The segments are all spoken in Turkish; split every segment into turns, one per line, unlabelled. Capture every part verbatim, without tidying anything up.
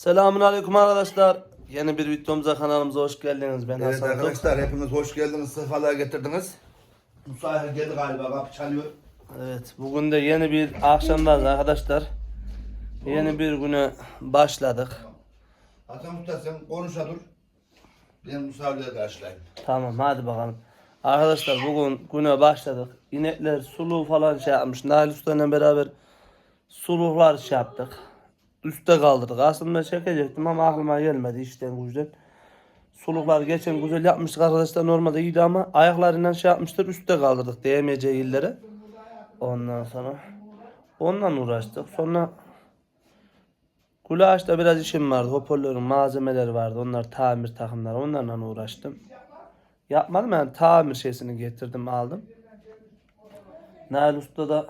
Selamünaleyküm arkadaşlar. Yeni bir videomuza kanalımıza hoş geldiniz. Ben
Evet
Hasan Tok.
arkadaşlar hepiniz hoş geldiniz, sefalar getirdiniz. Musa geldi galiba, kapı çalıyor.
Evet, bugün de yeni bir akşamdayız arkadaşlar. Yeni bir güne başladık.
Hasan Usta sen konuşa dur. Ben Musa'yla karşılayayım.
Tamam, hadi bakalım. Arkadaşlar bugün güne başladık. İnekler suluğu falan şey yapmış. Nail Usta'yla beraber suluklar şey yaptık. Üste kaldırdık. Aslında çekecektim ama aklıma gelmedi işten güçten. Suluklar geçen güzel yapmıştık arkadaşlar, normalde iyiydi ama ayaklarından şey yapmıştır, üstte kaldırdık değmeyeceği illere. Ondan sonra ondan uğraştık. Sonra Kulaş'ta biraz işim vardı. Hoparlörün malzemeleri vardı. Onlar tamir takımları. Onlarla uğraştım. Yapmadım yani, tamir şeysini getirdim aldım. Nail Usta da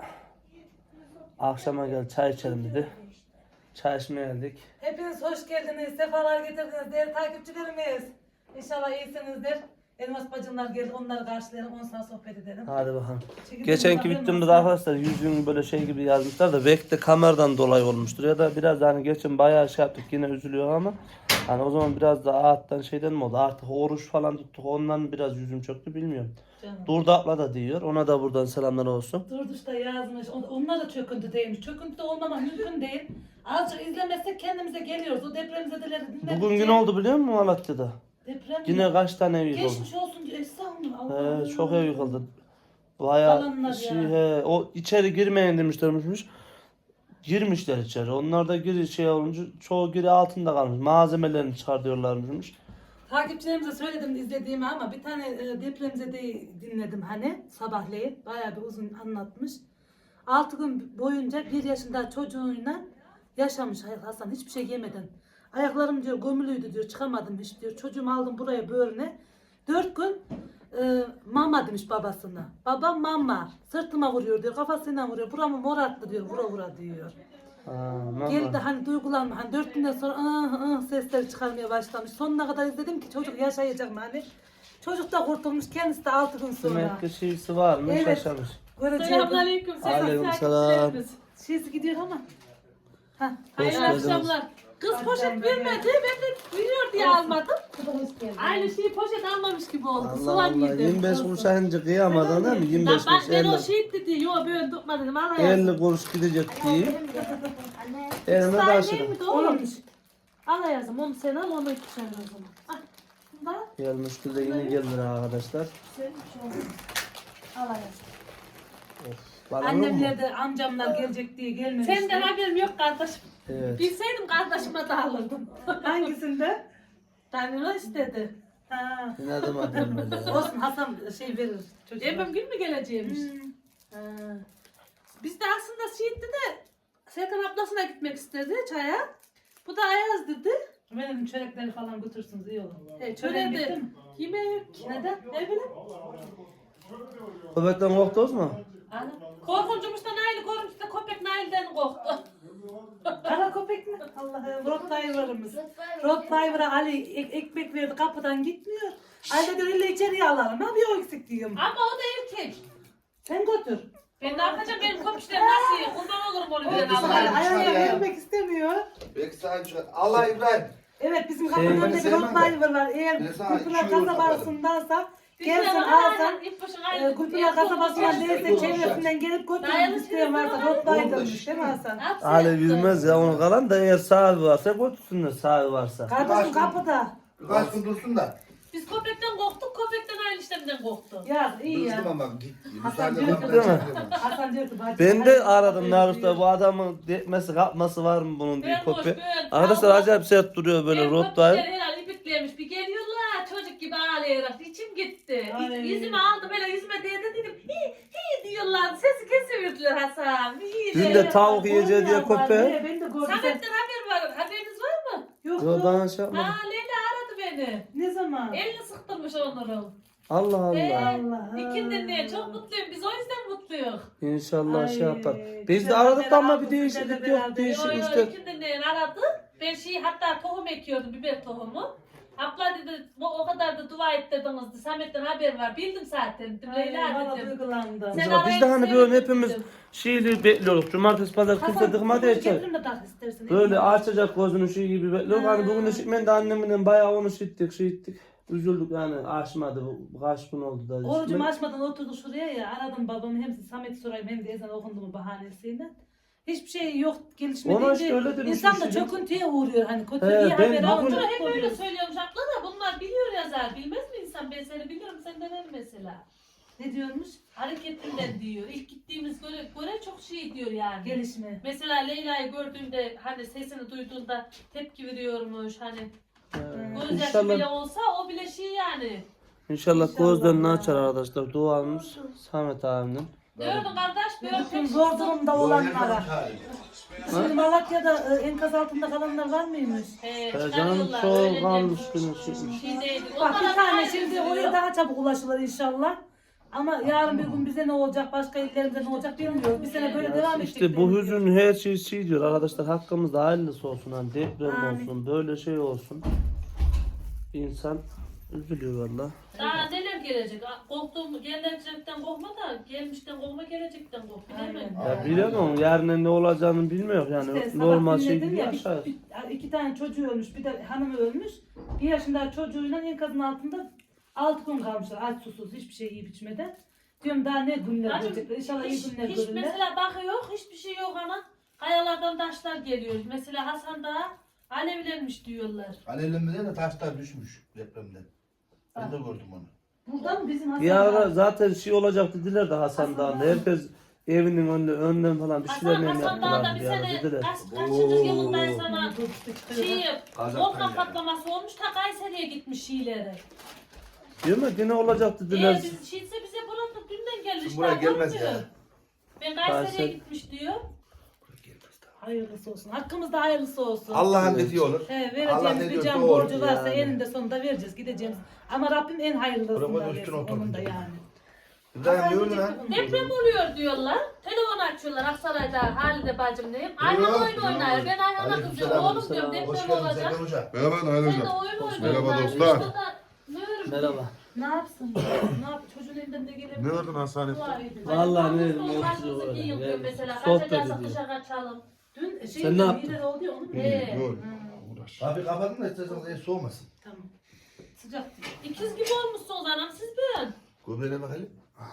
akşama gel çay içelim dedi. Çay içmeye geldik.
Hepiniz hoş geldiniz, sefalar getirdiniz değerli takipçilerimiz. İnşallah iyisinizdir. Elmas bacımlar geldi, onları karşılayalım, ondan sonra sohbet edelim.
Hadi bakalım.
Çekilin
Geçenki
bakalım
videomda
nasıl?
da arkadaşlar yüzünü böyle şey gibi yazmışlar da belki de kameradan dolayı olmuştur ya da biraz hani geçen bayağı şey yaptık, yine üzülüyor ama hani o zaman biraz da ağıttan şeyden mi oldu, artık oruç falan tuttuk, ondan biraz yüzüm çöktü, bilmiyorum.
Canım.
Durdu abla da diyor, ona da buradan selamlar olsun.
Durduş da yazmış, on- onlar da çöküntü değilmiş. Çöküntü de olmamak mümkün değil. Azıcık izlemezsek kendimize geliyoruz. O depremzedeleri dinledikçe.
Bugün gün oldu biliyor musun Malatya'da?
Deprem
Yine kaç tane ev yıkıldı?
geçmiş olsun diyor. Estağfurullah. Allah'ım.
He, çok ev yıkıldı. Bayağı
Kalanlar
şey,
ya.
he, o içeri girmeyin demişlermiş. Girmişler içeri. Onlar da giri şey olunca çoğu giri altında kalmış. Malzemelerini çıkartıyorlarmış.
Takipçilerimize söyledim izlediğimi ama bir tane e, depremzedeyi dinledim hani sabahleyin. Bayağı bir uzun anlatmış. altı gün boyunca bir yaşında çocuğuyla yaşamış Hasan, hiçbir şey yemeden. Ayaklarım diyor gömülüydü diyor, çıkamadım hiç diyor. Çocuğumu aldım buraya böğrüne. dört gün e, mama demiş babasına. Babam mama sırtıma vuruyor diyor, kafasıyla vuruyor. Buramı morarttı diyor, vura vura diyor.
Aa,
Geldi hani duygulanma, hani dört günden sonra ıh ıh sesleri çıkarmaya başlamış. Sonuna kadar izledim ki çocuk yaşayacak mı hani. Çocuk da kurtulmuş, kendisi de altı gün sonra.
demek ki şeysi var mı?
Evet.
Şaşamış.
Göreceğim.
Selamünaleyküm.
Aleykümselam.
Şeysi gidiyor ama. Ha.
Hayırlı
geldiniz.
akşamlar. Kız poşet vermedi. Ben de biliyor diye almadım. Aynı şeyi poşet almamış gibi oldu.
Allah
Soğan
Allah.
yedim.
yirmi beş kuruş aynı kıyamadın değil mi? yirmi
Lan
beş
bak
kuruş
ben o
elli.
şey dedi. Yo ben tutma dedim. Allah yazsın.
elli kuruş gidecek diye. Elime
Saniye
taşıdım.
mi doğru? Allah yazım. Onu sen al, onu iki sen o zaman. Ah. Bunda
Gelmiş de yine geldiler arkadaşlar.
sen şu olsun. Allah yazım.
Balon yok mu?
Annemler de amcamlar gelecek diye gelmemişti.
Senden haberim yok kardeşim.
Evet.
Bilseydim kardeşime de alırdım.
Hangisinde?
Tanrı istedi.
Ha.
Ne zaman gelmedi ya?
Olsun, Hasan şey verir. Çocuğa.
Emem gün mü geleceğimiş?
Hmm.
Ha. Biz de aslında Siirt'te de Serkan ablasına gitmek istedi çaya. Bu da Ayaz dedi.
Benim çörekleri falan götürsünüz iyi olur.
E,
Çöreğin
çöre
bitti
de
mi?
yemeği yok ki. Neden? Ne bileyim.
Köpekten korktunuz mu?
Ana. Korkuncumuştan Nail, korkunç da köpek Nail'den korktu.
Kara köpek mi? Allah'ım. Rottweiler'ımız. Rottweiler'a Ali ek- ekmek verdi, kapıdan gitmiyor. Ali de öyle içeriye alalım. Ha bir o eksik diyorum.
Ama o da erkek.
Sen götür.
Ben ne yapacağım, benim köpüşlerim nasıl yiyor? Kurban olurum onu bilen
Oldu,
Ali
Allah'a.
ayağına
ya.
vermek istemiyor.
Belki sana çıkar. Allah İbrahim.
Evet, bizim
Şey,
kapının
ben
önünde bir
sevmem de.
Rottweiler var. Eğer
Ben sana
Kulpınar
iki euro
kasabarasındansa gelsin
Gelsin
alsan.
İpbaşın
E,
aynı.
Kulpınar kasabasından değilse
Yok,
çevresinden gelip götürmek
Dayanışır
isteyen varsa
mı?
Rottweiler'mış değil mi Hasan?
Ali bilmez ya, onu kalan da eğer sahibi varsa götürsünler, sahibi varsa.
Kardeşim kapıda.
Birkaç gün dursun da.
Biz köpekten korktuk, köpekten aynı işlemden korktu.
Ya iyi ya.
Dursun ama git.
Hasan
Musa'yla
diyor
kapıdan
Değil mi?
çıkıyorum.
Hasan diyor ki bacım.
Ben de
hadi-
aradım Narus'ta, bu adamın dekmesi kapması var mı bunun diye
Ben boş,
köpek.
ben-
Arkadaşlar
Allah-
acayip sert duruyor böyle
Benim
Rottweiler.
köpekler herhalde ibiklemiş. Bir geliyorlar çocuk gibi ağlayarak. İçim gitti.
Ay.
Yüzüme aldı böyle, yüzüme değdi dedim. Hi hi diyorlar. Sesi kesiverdiler Hasan. Hi
Dün
de.
de tavuk
Oğlum
yiyeceği diye
ya, var
köpeğe.
ya, Ben de gördüm. Sen-
Samet'ten haber var. Haberiniz var mı?
Yok
Yo,
yok.
bana şey yapmadı.
Ha Leyla aradı beni.
Ne zaman?
Elini sıktırmış onları.
Allah
Ee,
Allah.
Allah.
İkinden diye çok mutluyum. Biz o yüzden mutluyuz.
İnşallah
Ay,
şey yapar.
güzel
Biz de aradık da ama
haber
bir
aldık,
değişiklik
güzel
yok.
haber
Değişik
Yo yo
işte.
ikinden diye aradı. Ben şeyi hatta tohum ekiyordum, biber tohumu. Abla dedi o, o kadar da dua ettirdiniz. Samet'ten haber var. Bildim zaten. Dedim Leyla
Valla
dedim.
duygulandım.
Sen
Mesela biz
arayıp
de hani böyle
seyredin
hepimiz
dedim.
şeyli bekliyorduk. Cumartesi pazar kimse dıkmadı
Hasan,
yeter.
getirin de tak istersen.
Böyle açacak gözünü şey gibi bekliyoruz. Hani bugün de şitmen de annemle bayağı onu şittik şey ettik. Üzüldük yani açmadı bu kaç gün oldu da.
Orucumu
şitmek.
açmadan oturduk şuraya ya. Aradım babamı hem Samet'i sorayım hem de ezan okundu mu bahanesiyle. Hiçbir şey yok gelişme
Ona işte
deyince
öyle demiş
insan da
bir şey.
çöküntüye uğruyor hani kötü
He,
iyi
ben
haber
bugün-
alınca
Abla hep öyle
oluyor.
söylüyormuş abla da bunlar biliyor yazar. Bilmez mi insan? Ben seni biliyorum senden el mesela.
Ne diyormuş?
Hareketinden diyor. İlk gittiğimiz göre, göre çok şey diyor yani.
Gelişme.
Mesela Leyla'yı gördüğünde hani sesini duyduğunda tepki veriyormuş hani
Ee,
gözyaşı
İnşallah,
bile olsa o bile şey yani.
inşallah
İnşallah
gözlerini
ya.
açar arkadaşlar. Duamız Samet abinin.
Diyordun kardeş böyle
Bütün
pek
zor durumda olanlara.
Hali.
Şimdi Malatya'da e, enkaz altında kalanlar var mıymış?
He,
Ee, canım
çıkarıyorlar,
çok
öyle
kalmış
de-
günü çıkmış.
Şey değil.
Bak bir
Onlara
tane
ayrı
şimdi
üzülüyor.
oraya daha çabuk ulaşılır inşallah. Ama yarın bir gün bize ne olacak, başka illerimize ne olacak bilmiyoruz. Bir sene böyle devam edecek.
İşte bu hüzün her şey şey diyor arkadaşlar, hakkımızda hayırlısı olsun, hani deprem
Amin.
olsun, böyle şey olsun. İnsan üzülüyor valla.
Daha neler gelecek? Korktuğum gelecekten korkma da gelmişten korkma gelecekten kork. Bilemem.
Aynen.
Ya bilemem, yarın ne olacağını bilmiyor yani,
İşte
normal
sabah
şey
dinledim
gibi
ya,
yaşar.
bir- bir- iki tane çocuğu ölmüş, bir de hanımı ölmüş. Bir yaşında çocuğuyla enkazın altında altı gün kalmışlar aç susuz hiçbir şey yiyip içmeden. Diyorum daha ne günler
Bacım,
görecekler. İnşallah iyi
Hiç,
günler
hiç
görürler.
mesela bakı yok, hiçbir şey yok ana. Kayalardan taşlar geliyor. Mesela Hasan da alevlenmiş diyorlar.
Alevlenmeden de taşlar düşmüş depremden. Ben de gördüm onu.
Buradan bizim Hasan
Bir ara
var.
zaten şey olacak dediler de Hasan Dağı'nda, herkes evinin önünde, önden falan bir şeyler
Hasan,
mi
Hasan Dağ'da
yaptılar
bir
bir ara
sene
dediler.
kaç, kaçıncı yılındayım sana
Dur, işte çıkıyor.
şey,
Kazak'tan
volkan
yani.
patlaması olmuş ta Kayseri'ye gitmiş şeylere.
Değil mi? Yine olacak dediler.
Eğer biz şeyse bize burada dünden gelmiş.
Şimdi buraya
daha
gelmez
görmüyor.
ya.
Ben Kayseri'ye
Kayseri-
gitmiş diyor.
Hayırlısı olsun. Hakkımızda hayırlısı olsun.
Allah'ın dediği olur.
He,
Allah
vereceğimiz
ne
bir
diyorsa
can
o
borcu
olur.
varsa
yani.
eninde sonunda vereceğiz, gideceğiz. Ama Rabbim en hayırlısını
Bırak o
da
üstüne
versin.
otur.
Onun da yani.
İbrahim ne öldü lan?
Deprem oluyor diyorlar. Telefon açıyorlar Aksaray'da Halide bacım diyeyim. Ayhan
Buyurun.
oyun oynuyor. Ben Ayhan'a
Aleyküm
kızıyorum.
selam.
Oğlum diyorum
Hoş
deprem
geldin
olacak.
Serkan Hoca.
Merhaba Nail
Sen de
Hocam.
oyun oynuyorsun.
Merhaba
Yani.
dostlar.
İşte da ne örüm
Merhaba.
Ne yapsın? ne yap? Çocuğun elinden de gelebilir.
Ne verdin hastanede?
Vallahi ne- ne
ne
yapacağız orada?
giyiyor
Yani
mesela.
sohbet
Kaçacaksak
ediyor.
dışarı kaçalım.
Dün şey
Sen ne yaptın?
mide oldu ya onu mu?
He.
Doğru. Uğraş.
Abi kapatın da isterseniz en soğumasın.
Tamam. Sıcak.
İkiz gibi olmuşsunuz anam siz ben.
Göbeğine bakalım.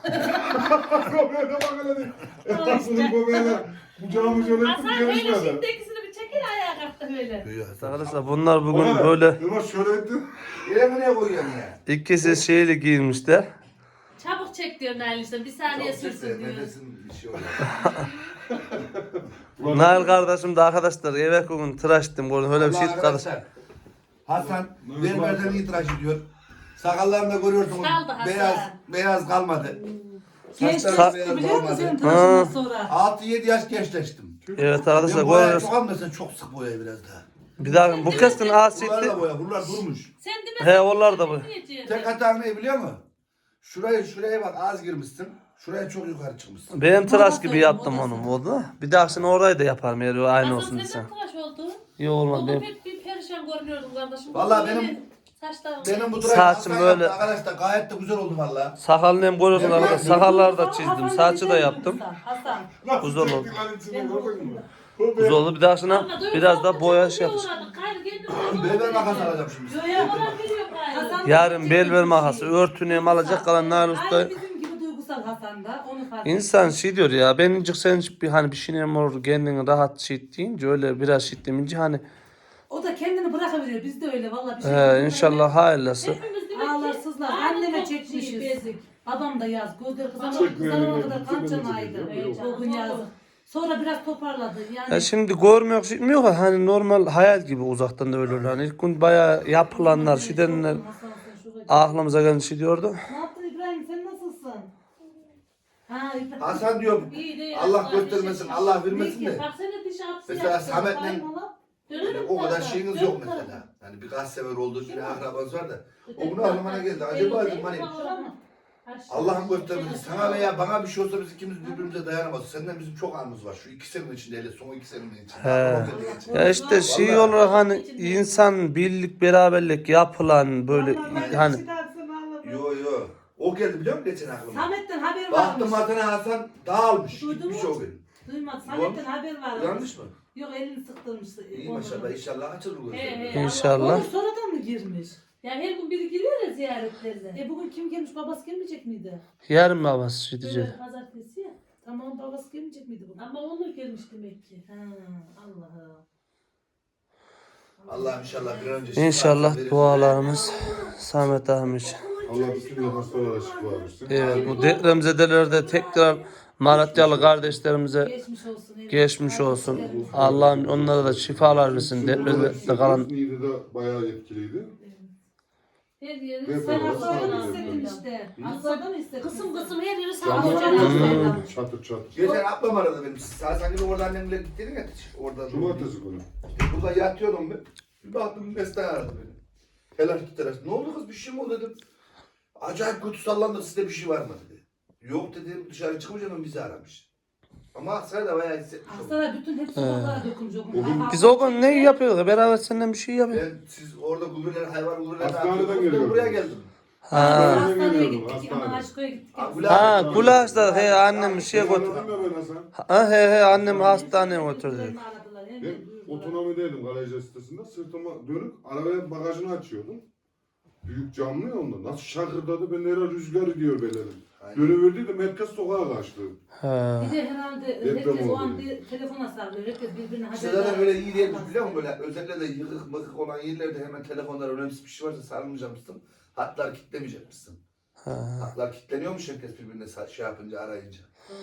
Göbeğine bak hele. Etrafının göbeğine. Kucağımı şöyle ettim
Hasan öyle
gelişmedi.
şimdi ikisini bir çekil ayağa kalktı öyle.
Duyuyor.
Arkadaşlar bunlar bugün böyle
Yavaş şöyle ettim.
Yere buraya koyuyorsun ya.
ikisi şeyli giyinmişler.
Çabuk çek diyor Nail işte bir saniye
Çok
sürsün
sesle
diyor.
nefesin bir şey oluyor.
Nail kardeşim de arkadaşlar eve bugün tıraş ettim. Gördüm öyle bir şey
Allah
kardeş.
arkadaşlar. Hasan berberden iyi tıraş ediyor. Sakallarını da görüyorsunuz.
Kaldı Hasan.
Beyaz beyaz kalmadı.
Gençleşti
Saçları beyaz
biliyor musun
kalmadı.
senin tıraşından sonra?
altı yedi yaş gençleştim.
Evet
Ben
arkadaşlar
boyayı
görüyoruz.
çok almasın, çok sık boyayı biraz daha.
Bir daha bu keskin
Bunlar
asitti.
da boya, bunlar durmuş.
Sen de
He onlar da bu.
Tek hatan ne biliyor musun? Şurayı şuraya bak az girmişsin. Şuraya çok yukarı çıkmışsın.
Ben tıraş gibi
Modası,
yaptım
modası.
onu oldu. Bir dahakine orayı da yaparım eğer aynı olsun
Hasan
desem.
senden tıraş oldu.
İyi olmaz
Oğlum
benim.
hep bir perişan görünüyordum kardeşim.
Vallahi
Böyle
benim-
saçlarım.
Benim bu tıraş
Saçım
Hasan
böyle-
yaptı arkadaşlar gayet de güzel oldu valla.
Sakalını hem görüyorsun arkadaşlar. Sakalları da çizdim.
Hasan
Saçı da
dedi,
yaptım.
Hasan.
Nasıl
Güzel oldu.
çektik lan içine
Ben
gördün mü?
Güzel oldu. Bir dahakine
Ama dövüş
biraz da
yaptı,
boya
çok
şey
iyi
yapacağız.
uğradık. Gayrı kendim
Berber makas alacağım şimdi.
Yo ya
Ona veriyor gayrı.
Hasan-
Yarın bel ver makası, örtünü hem alacak kalan Nail Usta.
Aynı bizim gibi duygusal Hasan da onu fark ettim.
İnsan şey diyor ya, benincik sen bir hani bir şey olur kendini rahat şey deyince öyle biraz şey demince hani
O da kendini bırakıveriyor. Biz de öyle vallahi bir şey.
he, inşallah hayırlısı.
Hepimiz demek ki
Ağlar sızlar.
ağrı
Anneme
çok
çekmişiz.
şey, bezik.
Babam da yaz. Gözleri kızarana
Çekmeyelim,
kızarana kadar
çekmeyelim,
kan
çekmeyelim.
çanağıydı.
Evet,
O gün
canım,
yazdı.
doğru.
Sonra biraz toparladı. Yani
Ya şimdi görmüyor şey yok ya, hani normal hayal gibi uzaktan da öyle oluyor. Hani ilk gün bayağı yapılanlar, şeydenler aklımıza gelen şey diyordu.
Ne yaptın İbrahim? Sen nasılsın? Ha İbrahim.
Hasan diyorum
İyi değil,
Allah
Allah
göstermesin,
bir şey
Allah vermesin
Ne
de.
ki?
Bak sen de diş apsı
Mesela
yaptın.
Samet'le
Kaymalı.
Dönelim
o kadar
tarafa,
şeyiniz
dön
yok
tarafa.
mesela. Yani birkaç sefer oldu, bir akrabanız var da. O
Öteki
bunu aklıma
tarafa.
geldi.
Değil,
Acaba
değil,
dedim hani
tamam.
Allah'ım göstermesin. Sana veya bana bir şey olsa biz ikimiz birbirimize dayanamaz. Senden bizim çok anımız var. Şu iki senenin içinde hele son iki senenin içinde.
He. Ya işte şey olarak hani insan birlik beraberlik yapılan böyle hani
Yo yo. O geldi biliyor musun geçen aklıma?
Samet'ten haber
Baktım
varmış.
Hasan Hasan dağılmış.
Duydun
Gitmiş
mu?
o gün.
Duymadı. Samet'ten haber varmış.
Yanlış mı?
Yok elini sıktırmış.
İyi maşallah inşallah açılır bu
He,
gözleri.
he.
inşallah.
Onu sonradan mı girmiş?
Yani her gün biri giriyor ya ziyaretlerine.
E bugün kim gelmiş? Babası gelmeyecek miydi?
Yarın babası şey diyecek.
Böyle pazartesi ya.
Tamam babası gelmeyecek miydi bugün?
Ama onu gelmiş demek ki.
Ha, Allah'ım.
Allah inşallah bir an önce şifa
İnşallah
verir.
dualarımız Samet Ahmet için.
Allah bütün hastalara şifa versin.
Evet bu depremzedelerde tekrar Malatyalı kardeşlerimize
Geçmiş olsun. evet.
geçmiş olsun. Allah'ım onlara da şifalar versin. Depremde kalan
Niğde'de bayağı etkiliydi.
Her yeri
Ve
Ben
böyle
hastadan
sağlıklı
hissettim
böyle.
işte. Hastadan hissettim.
Kısım kısım her yeri
Camlar
sağlayacak.
böyle çatır çatır.
Geçen ablam aradı benim. Sen sanki orada annemle gittin ya. Orada.
Cumartesi günü.
Burada yatıyordum ben. Bir baktım Mesut aradı beni. Telaşlı telaşlı. Ne oldu kız bir şey mi oldu dedim. Acayip kötü sallandı sizde bir şey var mı dedi. Yok dedim dışarı çıkmayacağım ben bizi aramış. Ama Aksaray'da da bayağı hissetmiş oldum.
Hastalar bütün hep sokaklara dökülmüş. o gün.
O gün-
biz o gün ne yapıyorduk? Beraber senden bir şey yapıyorduk.
Ben siz orada gururlar hayvan gururlar
Hastaneden
dağıtıyordunuz. Ben
geliyorum.
buraya geldim.
Ha.
Hastaneye
geliyordum,
gittik.
hastaneye.
Ama Aşko'ya gittik.
Ha,
hepsi.
Gula-
Ha gulaşta he annem bir şeye götürdü.
Anladın mı ben Hasan?
Ha he he annem hastaneye götürdü.
Beni aradılar, hemen
Ben
duyurdular.
otonomideydim garaj sitesinde. Sırtıma dönüp arabanın bagajını açıyordum. Büyük camlı ya onda. Nasıl şakırdadı ben nereye rüzgar gidiyor belerim. Dönüverdiydim herkes sokağa kaçtı.
Ha.
Bir de herhalde
Deprem
herkes o
oldu.
an bir telefona sarılıyor. Herkes birbirine haber
Size zaten
veriyor.
böyle iyi değil biliyor musun? Böyle özellikle de yıkık mıkık olan yerlerde hemen telefonlar önemsiz bir şey varsa sarılmayacakmışsın. Hatlar kitlemeyecekmişsin. Hatlar kitleniyormuş herkes birbirine sa- şey yapınca arayınca.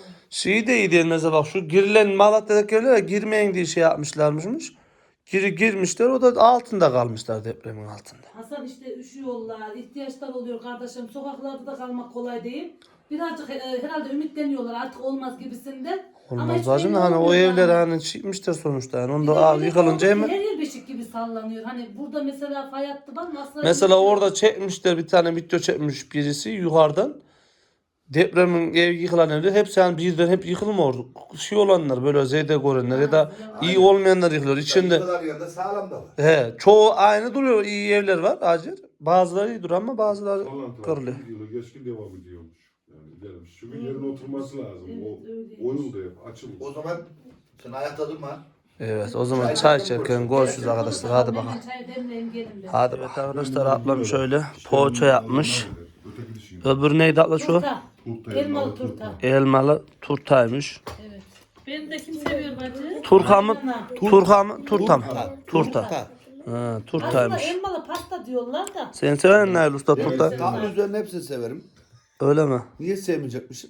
Şey de iyi değil mesela bak şu girilen Malatya'daki yerlere girmeyin diye şey yapmışlarmış. Giri girmişler o da altında kalmışlar depremin altında.
Hasan işte üşüyorlar, ihtiyaçlar oluyor kardeşim. Sokaklarda da kalmak kolay değil. Birazcık e, herhalde ümitleniyorlar artık olmaz gibisinden. Ama
Olmaz
hiç
lazım
belli
da hani o
olmuyor
evler
yani.
hani çıkmışlar sonuçta yani
Bir
onda
de
aa,
öyle
yıkılınca
oldu ki
hemen.
her yer beşik gibi sallanıyor. Hani burada mesela fay hattı var mı? Aslında
Mesela
yok.
orada çekmişler bir tane video çekmiş birisi yukarıdan. Depremin ev yıkılan evler hepsi yani birden hep yıkılmıyor. Şey olanlar böyle zeyde görenler ya da iyi olmayanlar yıkılıyor. İçinde
Yıkılan yanında sağlam da var.
he çoğu aynı duruyor. İyi evler var acil. Bazıları iyi duruyor ama bazıları
Sallantılar
kırılıyor.
bir yılı geçkin devam ediyormuş. Yani gelmiş. Çünkü yerine oturması lazım. O
Evet, öyleymiş.
oyun da yap, açılır.
O zaman sen ayakta durma.
Evet o zaman çay içerken görüşürüz arkadaşlar. Hadi bakalım.
Hemen çay demleyin gelin be.
Hadi evet arkadaşlar ablam şöyle poğaça yapmış.
Öteki dişiyim.
Öbürü neydi abla şu?
Turta.
Turta,
Elmalı turta.
Elmalı turtaymış.
Evet.
Beni de kim seviyor bacı?
Turka mı? Turka mı? Turta mı? Turta. Ha,
Aslında
turtaymış.
elmalı pasta diyorlar da.
Sen sever misin Nail Usta turta?
Tatlı üzerine hepsini severim.
Öyle mi?
Niye sevmeyecekmişim?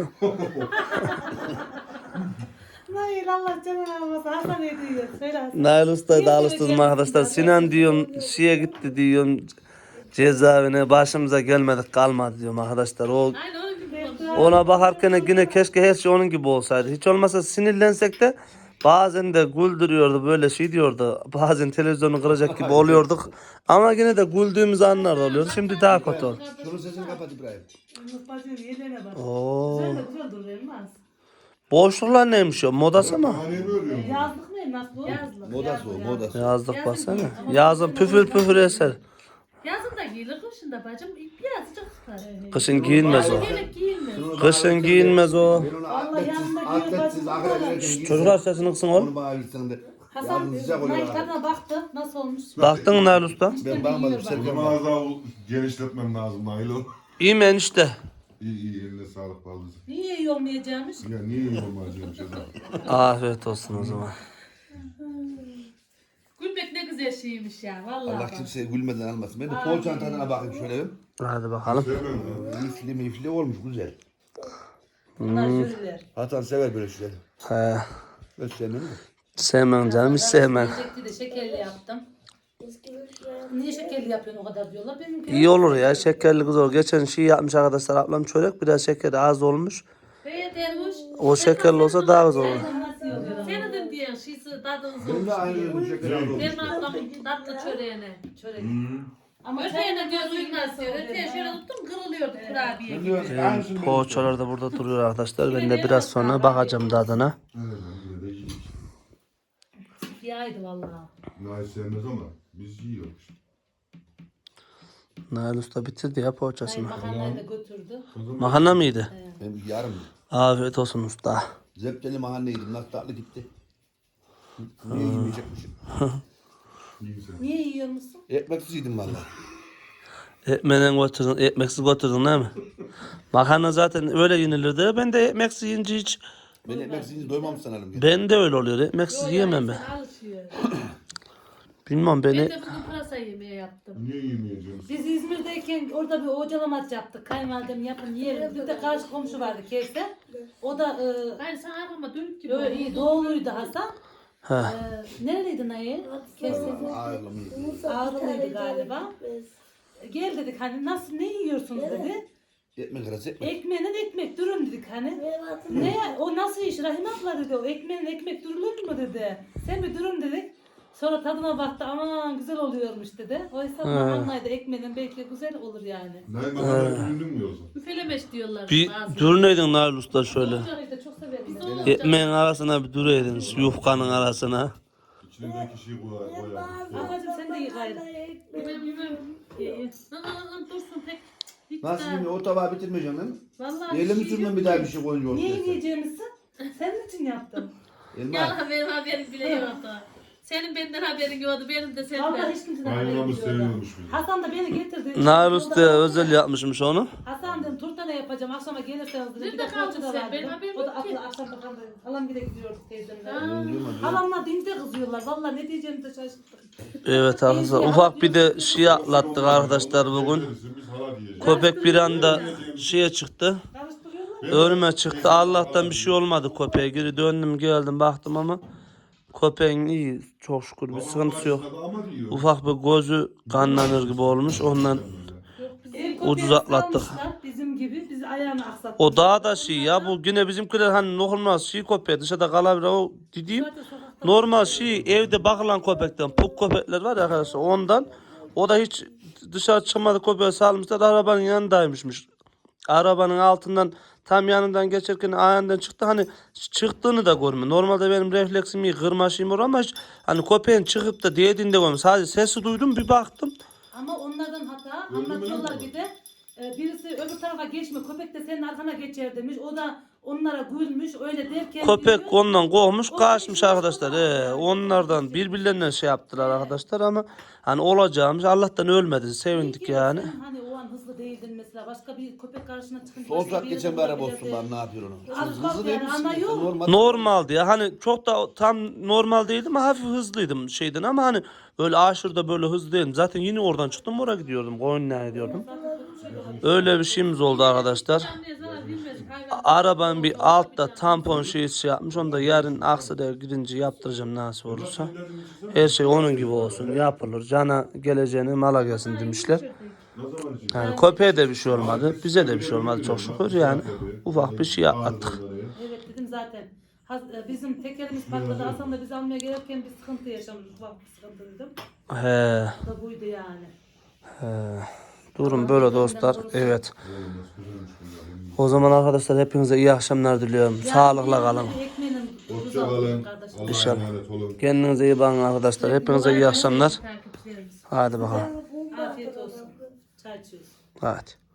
Hayır Allah canına almasın. Hasan ne diyor? Söyle Hasan.
Nail Usta'yı da
Niye
alıştırdım
seveceğim
arkadaşlar.
sizi?
Sinan diyorum şeye gitti diyorum cezaevine başımıza gelmedik kalmadı diyorum arkadaşlar. O
Aynen onun gibi konuşuyor.
ona bakarken yine keşke her şey onun gibi olsaydı. Hiç olmazsa sinirlensek de bazen de güldürüyordu böyle şey diyordu. Bazen televizyonu kıracak gibi oluyorduk. Ama yine de güldüğümüz anlar da oluyordu. Şimdi daha kötü oldu.
Şunun sesini kapat İbrahim.
Bacım yerine bak.
Oo.
Güzel de güzel durur elmas.
Boşluklar neymiş o? Modası mı?
Hani örüyorum.
Yazlık mı elmas bu? Yazlık.
Modası o modası.
Yazlık baksana. Yazın püfür püfür eser.
Yazın da giyilir, kışın da bacım. Birazcık tutar.
Kışın giyinmez o.
Yemek giyilmez.
Kışın giyinmez o.
Ben onu
Vallahi
atletsiz,
yanında
atletsiz
giyiyor,
ahire
bak,
girerken
Çocuklar sesini kısın oğlum.
Onu bana bilsen de.
Hasan
Yazın sıcak oluyor.
Nail
abi.
tadına baktı. Nasıl olmuş?
Baktın mı Nail Usta?
Ben bakmadım
O
Serkan
zaman
bak.
az daha genişletmem lazım Nailo.
İyi mi enişte?
İyi iyi eline sağlık baldızım.
Niye iyi olmayacakmış?
Ya niye iyi olmayacağım şeyden?
Afiyet olsun o zaman.
Gülmek ne güzel şeymiş ya. Vallahi
Allah
bak.
kimseye gülmeden almasın. Ben de poğaçanın tadına bakayım şöyle bir.
Hadi bakalım.
Sevmem ya.
Mifli mifli olmuş güzel.
Bunlar jüriler.
Hasan sever böyle şeyleri.
He.
Ben sevmem mi?
Sevmem canım hiç sevmem.
Yiyecekti de şekerli yaptım. Niye şekerli yapıyorsun o kadar diyorlar. Benimki
İyi olur ya şekerli kız olur. Geçen şey yapmış arkadaşlar ablam çörek biraz şekeri az olmuş.
Evet Ermuş.
O şekerli olsa daha güzel olur.
nasıl yiyor?
Senin diyen şeysi tadı
Ben de
olmuş.
aynı şeker aldım.
Benim ablamın tatlı çöreğine.
Çörek. Ama
Öteğine diyor duymaz diyor. Öteğe şöyle tuttum kırılıyordu kurabiye gibi.
Biliyorsun, aynısını ben
Poğaçalar da burada duruyor arkadaşlar. Ben de biraz sonra bakacağım tadına.
Evet, yine de yiyoruz.
Yaydı vallahi.
Nail sevmez ama biz yiyoruz.
Nail Usta bitirdi ya
Hayır
poğaçasını.
makarnayı da götürdü.
O zaman
Makarna mıydı?
Ben yarım.
Afiyet olsun usta.
Zepteli mahalle yedim. Nasıl tatlı gitti. Niye yemeyecekmişim?
yiyeceğiz.
Niye yiyor musun?
Ekmeksiz yedim valla.
Ekmeğinden götürdün, ekmeksiz götürdün değil mi? Makarna zaten öyle yenilirdi. Ben de ekmeksiz yiyince hiç...
Ben ekmeksiz yiyince doymam sanırım. Ya.
Ben de öyle oluyor. Ekmeksiz yiyemem ben.
Sen alışıyor.
Bilmem
Ben
beni...
de bugün pırasa yemeği yaptım.
Niye yemeyeceğiz?
Biz İzmir'deyken orada bir ocalamaç yaptık. Kayınvalidem yapın yiyelim. Bir de karşı komşu vardı Kevser. O da e,
Aynı sen arkama dönük gibi.
böyle iyi doğuluydu Hasan.
Ha.
E, nereliydi Nayı? Kevser'de.
Ağırlı mı yedim?
Ağrılıydı galiba. Gel dedik hani nasıl ne yiyorsunuz dedi.
Ekmek arası ekmek.
Ekmeğine de ekmek durun dedik hani. Ne o nasıl iş Rahim abla dedi o ekmeğin ekmek durulur mu dedi. Sen bir durun dedik. Sonra tadına baktı aman güzel oluyormuş dedi. Oysa makarnaydı ekmeğinin belki güzel olur yani.
Nail makarna ürünün mü yoksa?
Üfelemeş diyorlar.
Bir
bazıları.
duruneydin Nail Usta şöyle.
Ocağıyı da çok severim ben.
Ekmeğin arasına bir duruydun. Yufkanın arasına.
İçindeki şeyi koyar. koyar.
Ablacığım sen de iyi gayrı.
Yemem yemem. İyi. Hı, hı, hı, Dursun pek. Hiç
Nasıl
daha-
yemiyor? O tabağı bitirmeyeceğim değil mi?
Vallahi
Eyle mi
bir şey
sürmem
yok
bir daha
ki.
bir şey koyunca
Niye
ortaya?
yiyeceğimizi? Senin için yaptım.
Elma.
Ya benim haberim bile yoktu. Senin benden haberin yoktu, benim de
Vallahi
senden.
hiç kimseden haberim
Bayramı
yoktu.
seviyormuş bizi.
Hasan da beni getirdi.
Nail Usta özel yapmışmış onu.
Hasan dedim turta ne yapacağım akşama gelirseniz dedi. Bir
Nerede
de
kaldın
poğaça da
sen?
var
Benim
dedim.
haberim
O da
yok ki.
aklı akşam bakalım dedim. Halam bir de gidiyorduk teyzemle.
Duymadım.
Halamla dince kızıyorlar. Vallahi ne diyeceğimi de şaşırttım.
Evet arkadaşlar ufak bir de şey atlattık arkadaşlar bugün.
Biz hala diyeceğiz.
Köpek bir anda şeye çıktı.
Karıştırıyorlar.
Önüme çıktı. Allah'tan bir şey olmadı köpeğe. Geri döndüm geldim baktım ama köpeğin iyi çok şükür bir sıkıntısı yok.
Ama diyor.
Ufak bir gözü kanlanır gibi olmuş ondan
Ev
ucuz
köpeği
atlattık.
salmışlar Bizim gibi. Biz ayağını aksattık.
O daha da şey ya bu yine bizimkiler hani normal şey köpeği dışarıda kalabilir o dediğim normal şey evde bakılan köpekten puk köpekler var ya arkadaşlar ondan o da hiç dışarı çıkmadı köpeği salmışlar arabanın yanındaymışmış. Arabanın altından tam yanından geçerken ayağından çıktı hani çıktığını da görmüyor. Normalde benim refleksim iyi kırmaşayım or ama hiç hani köpeğin çıkıp da değdiğini de görmüyor. Sadece sesi duydum bir baktım.
Ama onlardan hata
Öyle mi
anlatıyorlar
lan?
bir de e, birisi öbür tarafa geçme köpek de senin arkana geçer demiş. O da onlara gülmüş öyle derken
Köpek
diyor,
ondan kovmuş
O
kaçmış
da-
arkadaşlar. He, onlardan birbirlerinden şey yaptılar arkadaşlar ama hani olacağımız Allah'tan ölmedi sevindik
peki
yani.
Sen hani o an hızlı değildin mesela başka bir köpek karşına çıkınca
Son
başka
saat
bir
geçen bir
yerde
araba olsun
olabilirdi.
ben ne yapıyor onu?
Az
Hızlı
kalk
değil
yani,
misin?
ana yok.
Normal.
Normaldi ya hani çok da tam normal değildim ama hafif hızlıydım şeyden ama hani böyle aşırıda böyle hızlı değilim. Zaten yine oradan çıktım oraya gidiyordum Konya'ya gidiyordum. Öyle bir şeyimiz oldu arkadaşlar.
Anneye zarar vermez, hayvan.
Arabanın bir altta tampon şeyi şey yapmış. Onu da yarın Aksaray'a gidince yaptıracağım nasip olursa. Her şey onun gibi olsun yapılır. Cana geleceğini mala gelsin demişler.
Ne zaman için?
Yani köpeğe de bir şey olmadı. Bize de bir şey olmadı çok şükür. Yani ufak bir şey atlattık.
Evet dedim zaten. Haz- e, Bizim tekerimiz patladı. Hasan da bizi almaya gelirken bir sıkıntı yaşamışız. Ufak bir sıkıntı dedim.
He,
O da buydu yani.
he. Durum böyle dostlar. Evet. O zaman arkadaşlar hepinize iyi akşamlar diliyorum. Sağlıkla kalın.
Ekmeğinin
Hoşça kalın.
kardeşim.
Allah'a
İnşallah.
emanet olun.
Kendinize iyi bakın arkadaşlar. Hepinize iyi akşamlar.
Takipçilerimiz.
Hadi bakalım.
Afiyet olsun. Çay içiyoruz.
Hadi.